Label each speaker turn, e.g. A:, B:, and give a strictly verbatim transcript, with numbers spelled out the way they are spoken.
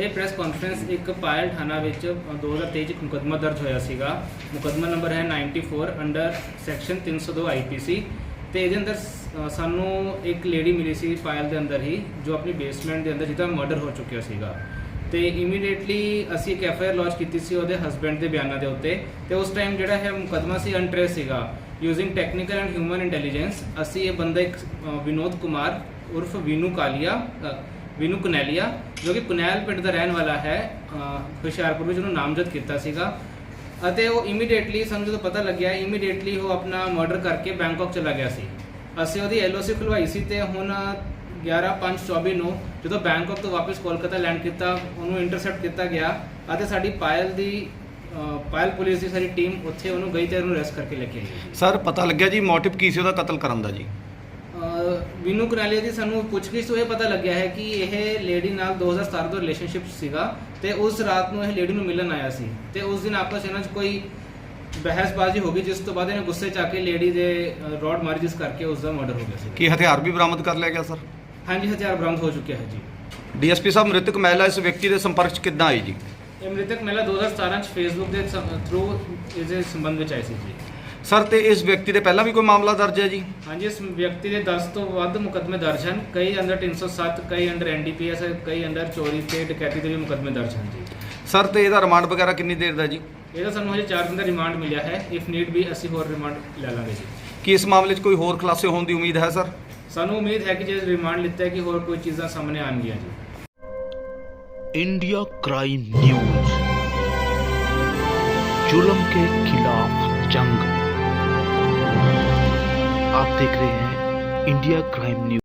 A: ਇਹ press conference ਇੱਕ ਪਾਇਲ ਥਾਣਾ ਵਿੱਚ ਦੋ ਹਜ਼ਾਰ ਤੇਈ 'ਚ ਇੱਕ ਮੁਕੱਦਮਾ ਦਰਜ ਹੋਇਆ ਸੀਗਾ। ਮੁਕੱਦਮਾ ਨੰਬਰ ਹੈ ਚੌਰਾਨਵੇਂ ਅੰਡਰ ਸੈਕਸ਼ਨ ਤਿੰਨ ਸੌ ਦੋ ਆਈ ਪੀ ਸੀ ਤੇ ਇਹਦੇ ਅੰਦਰ ਸ- ਸਾਨੂੰ ਇੱਕ ਲੇਡੀ ਮਿਲੀ ਸੀ ਪਾਇਲ ਦੇ ਅੰਦਰ ਹੀ, ਜੋ ਆਪਣੀ ਬੇਸਮੈਂਟ ਦੇ ਅੰਦਰ ਜਿਹਦਾ ਮਰਡਰ ਹੋ ਚੁੱਕਿਆ ਸੀਗਾ। ਤੇ ਇਮੀਡੀਏਟਲੀ ਅਸੀਂ ਇੱਕ ਐਫ ਆਈ ਆਰ ਲੌਂਚ ਕੀਤੀ ਸੀ ਉਹਦੇ ਹਸਬੈਂਡ ਦੇ ਬਿਆਨਾਂ ਦੇ ਉੱਤੇ। ਤੇ ਉਸ ਟਾਈਮ ਜਿਹੜਾ ਹੈ ਮੁਕੱਦਮਾ ਸੀ ਅਨਟ੍ਰੇਸ ਸੀਗਾ। Using technical and human intelligence ਅਸੀਂ ਇਹ ਬੰਦਾ ਇੱਕ ਅ, ਵਿਨੋਦ ਕੁਮਾਰ ਉਰਫ ਵੀਨੂ ਕਾਲੀਆ ਅ, ਵੀਨੂ ਕੁਨੈਲੀਆ, ਜੋ ਕਿ ਕੁਨੈਲ ਪਿੰਡ ਦਾ ਰਹਿਣ ਵਾਲਾ ਹੈ, ਅ, ਹੁਸ਼ਿਆਰਪੁਰ ਵਿੱਚ ਉਹਨੂੰ ਨਾਮਜ਼ਦ ਕੀਤਾ ਸੀਗਾ। ਅਤੇ ਉਹ ਇਮੀਡੀਏਟਲੀ ਸਾਨੂੰ ਜਦੋਂ ਪਤਾ ਲੱਗਿਆ ਇਮੀਡੀਏਟਲੀ ਉਹ ਆਪਣਾ ਮਰਡਰ ਕਰਕੇ ਬੈਂਕਾਕ ਚਲਾ ਗਿਆ ਸੀ। ਅਸੀਂ ਉਹਦੀ ਐਲ ਓ ਸੀ ਖੁਲਵਾਈ ਸੀ ਤੇ ਹੁਣ ਗਿਆਰਾਂ ਪੰਜ ਚੌਵੀ ਨੂੰ ਜਦੋਂ ਬੈਂਕਾਕ ਤੋਂ ਵਾਪਸ ਕੋਲਕਾਤਾ ਲੈਂਡ ਕੀਤਾ, ਉਹਨੂੰ ਇੰਟਰਸੈਪਟ ਕੀਤਾ ਗਿਆ ਅਤੇ ਸਾਡੀ ਪਾਇਲ ਦੀ ਅ, ਪਾਇਲ ਪੁਲਿਸ ਦੀ ਸਾਰੀ ਟੀਮ ਉੱਥੇ ਉਹਨੂੰ ਗਈ ਤੇ ਉਹਨੂੰ ਅਰੈਸਟ ਕਰਕੇ ਲੈ ਕੇ ਆਈ।
B: ਸਰ ਪਤਾ ਲੱਗਿਆ ਜੀ ਮੋਟਿਵ ਕੀ ਸੀ ਉਹਦਾ ਕਤਲ ਕਰਨ ਦਾ ਜੀ?
A: ਅ, ਵੀਨੂ ਕੁਨਾਲੀਆ ਦੀ ਸਾਨੂੰ ਪੁੱਛਗਿੱਛ ਤੋਂ ਇਹ ਪਤਾ ਲੱਗਿਆ ਹੈ ਕਿ ਇਹ ਲੇਡੀ ਨਾਲ ਦੋ ਹਜ਼ਾਰ ਸਤਾਰਾਂ ਤੋਂ ਰਿਲੇਸ਼ਨਸ਼ਿਪ ਸੀਗਾ ਤੇ ਉਸ ਰਾਤ ਨੂੰ ਇਹ ਲੇਡੀ ਨੂੰ ਮਿਲਣ ਆਇਆ ਸੀ ਤੇ ਉਸ ਦਿਨ ਆਪਸ ਇਹਨਾਂ 'ਚ ਕੋਈ ਬਹਿਸਬਾਜ਼ੀ ਹੋ ਗਈ, ਜਿਸ ਤੋਂ ਬਾਅਦ ਇਹਨੇ ਗੁੱਸੇ 'ਚ ਆ ਕੇ ਲੇਡੀ ਦੇ ਰੋਡ ਮਾਰੀ, ਜਿਸ ਕਰਕੇ ਉਸ ਦਾ ਮਰਡਰ ਹੋ ਗਿਆ ਸੀ।
B: ਕੀ ਹਥਿਆਰ ਵੀ ਬਰਾਮਦ ਕਰ ਲਿਆ ਗਿਆ ਸਰ?
A: ਹਾਂਜੀ, ਹਥਿਆਰ ਬਰਾਮਦ ਹੋ ਚੁੱਕਿਆ ਹੈ ਜੀ।
B: ਡੀ ਐਸ ਪੀ ਸਾਹਿਬ, ਮ੍ਰਿਤਕ ਮਹਿਲਾ ਇਸ ਵਿਅਕਤੀ ਦੇ ਸੰਪਰਕ 'ਚ ਕਿੱਦਾਂ ਆਈ ਜੀ?
A: ਇਹ ਮ੍ਰਿਤਕ ਮਹਿਲਾ ਦੋ ਹਜ਼ਾਰ ਸਤਾਰਾਂ 'ਚ ਫੇਸਬੁੱਕ ਦੇ ਥਰੂ ਇਸ ਦੇ ਸੰਬੰਧ ਵਿੱਚ ਆਈ ਸੀ ਜੀ।
B: ਸਰ ਤੇ ਇਸ ਵਿਅਕਤੀ ਦੇ ਪਹਿਲਾਂ ਵੀ ਕੋਈ ਮਾਮਲਾ ਦਰਜ ਹੈ ਜੀ?
A: ਹਾਂਜੀ, ਇਸ ਵਿਅਕਤੀ ਦੇ ਦਸ ਤੋਂ ਵੱਧ ਮੁਕੱਦਮੇ ਦਰਜ ਹਨ। ਕਈ ਅੰਡਰ ਤਿੰਨ ਸੌ ਸੱਤ, ਕਈ under N D P S, ਕਈ ਅੰਡਰ ਚੋਰੀ ਤੇ ਡਕੈਤੀ ਦੇ ਵੀ ਮੁਕੱਦਮੇ ਦਰਜ ਹਨ ਜੀ।
B: ਸਰ ਤੇ ਇਹਦਾ ਰਿਮਾਂਡ ਵਗੈਰਾ ਕਿੰਨੀ ਦੇਰ ਦਾ ਜੀ?
A: ਇਹਦਾ ਸਾਨੂੰ ਹਜੇ ਚਾਰ ਦਿਨ ਦਾ ਰਿਮਾਂਡ ਮਿਲਿਆ ਹੈ। ਇਫ ਨੀਡ ਵੀ ਅਸੀਂ ਹੋਰ ਰਿਮਾਂਡ ਲੈ ਲਾਂਗੇ ਜੀ।
B: ਕੀ ਇਸ ਮਾਮਲੇ 'ਚ ਕੋਈ ਹੋਰ ਖੁਲਾਸੇ ਹੋਣ ਦੀ ਉਮੀਦ ਹੈ ਸਰ?
A: ਸਾਨੂੰ ਉਮੀਦ ਹੈ ਕਿ ਜੇ ਰਿਮਾਂਡ ਲਿੱਤਾ ਹੈ ਕਿ ਹੋਰ ਕੋਈ ਚੀਜ਼ਾਂ ਸਾਹਮਣੇ ਆਉਣਗੀਆਂ ਜੀ।
C: इंडिया क्राइम न्यूज, जुल्म के खिलाफ जंग। आप देख रहे हैं इंडिया क्राइम न्यूज।